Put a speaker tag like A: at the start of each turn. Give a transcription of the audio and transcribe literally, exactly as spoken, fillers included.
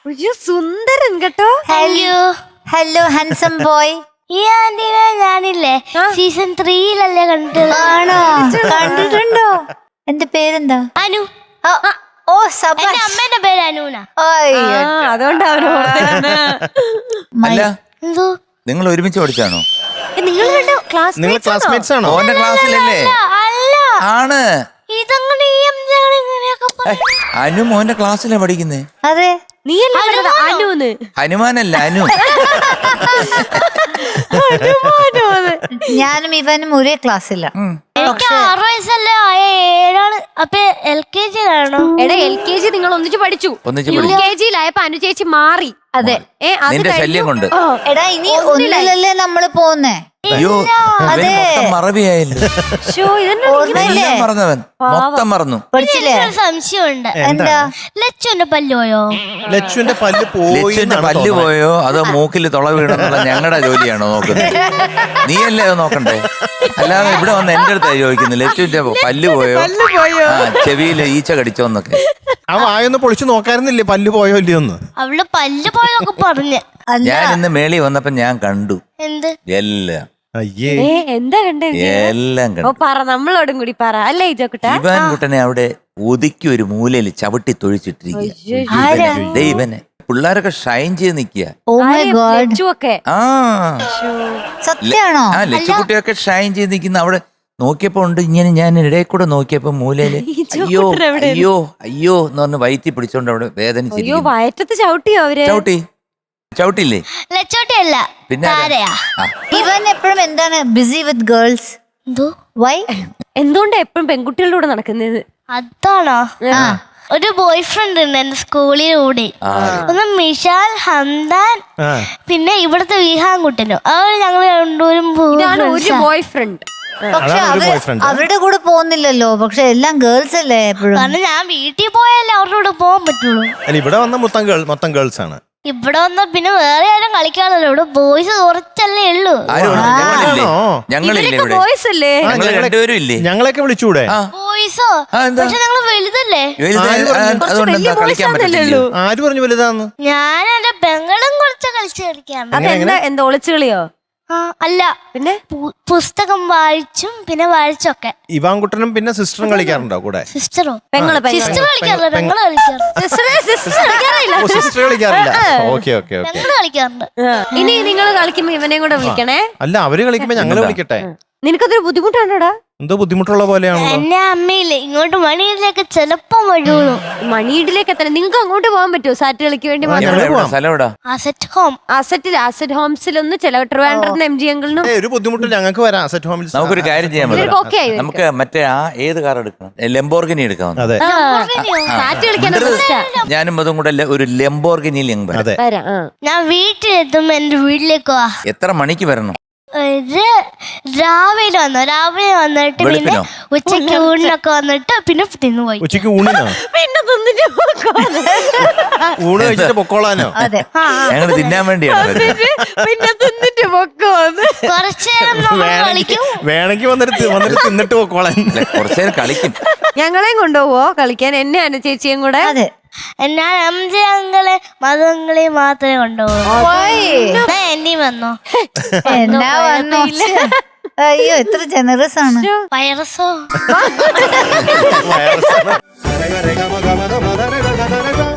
A: സുന്ദരൻ കേട്ടോ.
B: Hello hello handsome boy. ഈ ആന്റിനെ ഞാനില്ലേ സീസൺ ത്രീയിലല്ലേ കണ്ടിട്ടുള്ളത്. ആണോ? കണ്ടിട്ടുണ്ടോ? എന്റെ പേരെന്താ? അനു. ഓ സബാഷ്. അമ്മേന്റെ പേര് അനുന.
A: അതുകൊണ്ട്
C: എന്തോ നിങ്ങൾ ഒരുമിച്ച് പഠിച്ചാണോ?
A: നിങ്ങൾ
C: ക്ലാസ്മേറ്റ്സ് ആണോ? ഓന്റെ ക്ലാസ്സിലല്ലേ? ആണ്. അനു മോന്റെ ക്ലാസ്സിലാ പഠിക്കുന്നേ.
B: അതെ.
C: ഹനുമാനല്ല അനു.
B: ഞാനും ഇവനും ഒരേ ക്ലാസ്സില്ല.
A: ആറ് വയസ്സല്ലേ ഏഴാണ്. അപ്പൊ എൽ കെ ജിയിലാണോ? എടാ എൽ കെ ജി നിങ്ങൾ ഒന്നിച്ച് പഠിച്ചു. യു കെ ജിയിലായപ്പോ അനു ചേച്ചി മാറി.
B: അതെ.
C: നിന്റെ ശല്യം കൊണ്ട്.
B: എടാ ഇനി ഒന്നിലല്ലേ നമ്മള് പോന്നേ.
C: അയ്യോ മൊത്തം മറവിയായില്ലേ. മറന്നവൻ മൊത്തം മറന്നു.
B: പഠിച്ചില്ലേ?
A: സംശയമുണ്ട്.
B: എന്താ?
A: ലച്ചുവിന്റെ പല്ല് പോയോ?
D: ലച്ചുവിന്റെ പല്ല് പോയി.
C: ലച്ചുവിന്റെ പല്ല് പോയോ അതോ മൂക്കിൽ തുള വീണെന്നുള്ള ഞങ്ങളുടെ ജോലിയാണോ നോക്കുന്നത്? നീയല്ലേ അത് നോക്കണ്ടേ? അല്ലാതെ ഇവിടെ വന്ന് എന്റെ അടുത്തായി ചോദിക്കുന്നു ലച്ചുവിന്റെ പല്ല് പോയോ, ആ ചെവിയില് ഈച്ച കടിച്ചോന്നൊക്കെ.
D: ആ വായൊന്ന് പൊളിച്ചു നോക്കാറുന്നില്ലേ പല്ല് പോയോ ഇല്ലയോന്ന്?
A: അവള് പല്ല് പോയൊക്കെ പറഞ്ഞ്.
C: ഞാൻ ഇന്ന് മേളി വന്നപ്പോ ഞാൻ കണ്ടു
A: എന്ത്
C: എല്ലാം.
D: അയ്യേ
A: എന്താ കണ്ടേ?
C: എല്ലാം കണ്ടു.
A: പറ നമ്മളോടും കൂടി പറ. അല്ലേ
C: ഇവാൻ കുട്ടനെ അവിടെ ഒതുക്കി ഒരു മൂലയിൽ ചവിട്ടി തൊഴിച്ചിട്ടിരിക്കുക. ദൈവനെ പിള്ളേരൊക്കെ ഷൈൻ ചെയ്ത് നിക്കുക. ആ
B: സത്യാണോ?
C: ആ ലച്ചുകുട്ടിയൊക്കെ ഷൈൻ ചെയ്ത് നിക്കുന്ന അവിടെ നോക്കിയപ്പോ ഉണ്ട്. ഇങ്ങനെ ഞാൻ ഇടയിൽ കൂടെ നോക്കിയപ്പോ മൂലയില് അയ്യോ അയ്യോ അയ്യോ എന്ന് പറഞ്ഞ് വയറ്റി പിടിച്ചോണ്ട് അവിടെ വേദനിച്ചിരിക്കുന്നു.
A: വയറ്റത്ത് ചവിട്ടിയോ അവര്?
C: ചവിട്ടി ചവിട്ടില്ലേ?
A: ലച്ചോട്ടിയല്ല
C: പിന്നെ
B: ഇവൻ എപ്പോഴും എന്താണ് ബിസി വിത്ത് ഗേൾസ്. വൈ?
A: എന്തുകൊണ്ട് എപ്പോഴും പെൺകുട്ടികളുടെ കൂടെ നടക്കുന്നത്? അതാണോ? ഒരു ബോയ് ഫ്രണ്ട് ഉണ്ട് എന്റെ സ്കൂളിലൂടെ. ഒന്ന് മിഷാൽ, ഹംദാൻ, പിന്നെ ഇവിടുത്തെ വിഹാൻകുട്ടനോ. അവർ ഞങ്ങൾ രണ്ടുപേരും ഒരു ബോയ് ഫ്രണ്ട്.
B: പക്ഷെ അവരുടെ കൂടെ പോകുന്നില്ലല്ലോ. പക്ഷെ എല്ലാം ഗേൾസ് അല്ലേ എപ്പോഴും.
A: കാരണം ഞാൻ വീട്ടിൽ പോയാലേ അവരുടെ കൂടെ പോകാൻ പറ്റുള്ളൂ.
D: ഇവിടെ വന്ന മൊത്തം ഗേൾ മൊത്തം ഗേൾസ് ആണ്.
A: ഇവിടെ വന്നാ പിന്നെ വേറെ ആരും കളിക്കാണല്ലോ. ഇവിടെ ബോയ്സ് കുറച്ചല്ലേ ഉള്ളൂ. ബോയ്സ് അല്ലേ?
D: ഞങ്ങളൊക്കെ വിളിച്ചൂടെ?
A: ബോയ്സോ? പക്ഷെ ഞങ്ങള് വലുതല്ലേ?
D: ആര് പറഞ്ഞു വലുതാന്ന്?
A: ഞാൻ എന്റെ പെങ്ങളും കുറച്ച് കളിച്ച് കളിക്കാണ്. എന്താ ഒളിച്ചു കളിയോ? അല്ല, പിന്നെ പുസ്തകം വായിച്ചും പിന്നെ വായിച്ചൊക്കെ.
D: ഇവാൻകുട്ടനും പിന്നെ സിസ്റ്ററും കളിക്കാറുണ്ടോ കൂടെ?
A: സിസ്റ്ററോ? പെങ്ങള് സിസ്റ്റർ കളിക്കാറില്ല. പെങ്ങള് കളിക്കാറില്ല.
D: സിസ്റ്റർ കളിക്കാറില്ല. ഓക്കെ ഓക്കെ ഓക്കെ.
A: പെങ്ങള് കളിക്കാറുണ്ട്. ഇനി നിങ്ങൾ കളിക്കുമ്പോ ഇവനെയും കൂടെ വിളിക്കണേ.
D: അല്ല അവര് കളിക്കുമ്പോ ഞങ്ങള് വിളിക്കട്ടെ.
A: നിനക്കതൊരു ബുദ്ധിമുട്ടാണോടാ?
D: എന്തോ ബുദ്ധിമുട്ടുള്ള പോലെയാണോ?
A: എന്നെ അമ്മയില്ലേ ഇങ്ങോട്ട് മണിയിലേക്ക് ചിലപ്പോ വഴിയുള്ളൂ. മണിയിലേക്ക് എത്തണം. നിങ്ങൾക്ക് അങ്ങോട്ട് പോകാൻ പറ്റുമോ സാറ്റ് കളിക്ക് വേണ്ടി? Asset home. അസറ്റിൽ അസറ്റ് ഹോംസിലൊന്ന് ചില ട്രിവാൻഡ്രത്തിന് എം ജി അങ്കിളിനും
D: ഒരു ബുദ്ധിമുട്ട് ഞങ്ങൾക്ക് വരാം. അസറ്റ് ഹോമിൽ
C: നമുക്കൊരു കാര്യം ചെയ്യാൻ പറ്റും. നമുക്ക് മറ്റേ ആ ഏത് കാർ എടുക്കണം? ലെംബോർഗിനി എടുക്കാം.
A: സാറ്റ് കളിക്കാൻ
C: ഞാനും അതും കൂടെ ഒരു ലെംബോർഗിനിയിൽ
A: ഞാൻ വീട്ടിലെത്തുമ്പോ എന്റെ വീട്ടിലേക്ക് വാ.
C: എത്ര മണിക്ക് വരണം?
A: രാവിലെ വന്നു. രാവിലെ വന്നിട്ട് പിന്നെ ഉച്ചക്ക് ഊണിനൊക്കെ വന്നിട്ട് പിന്നെ തിന്നു പോയി.
D: ഉച്ചക്ക് ഊണിനോ?
A: പിന്നെ തിന്നിട്ട്
D: ഊണ് കഴിച്ചിട്ട് പൊക്കോളാനോ?
C: ഞങ്ങള് തിന്നാൻ വേണ്ടിയാണ്.
A: പിന്നെ തിന്നിട്ട് പൊക്കോന്ന് കുറച്ചു നേരം കളിക്കും.
D: വേണമെങ്കിൽ വന്നിട്ട് വന്നിട്ട് തിന്നിട്ട് പൊക്കോളാൻ.
C: കുറച്ചു നേരം കളിക്കും.
A: ഞങ്ങളെയും കൊണ്ടുപോവോ കളിക്കാൻ? എന്നെ അനു ചേച്ചിയും കൂടെ? അതെ. ഞാൻ അംജ അങ്ങളെ മതങ്ങളെ മാത്രമേ കൊണ്ടുപോകൂ. എന്നെയും വന്നോ?
B: എന്നാ വന്നോ? അയ്യോ എത്ര ജനറസ് ആണ്.
A: വൈറസോ?
D: വൈറസ്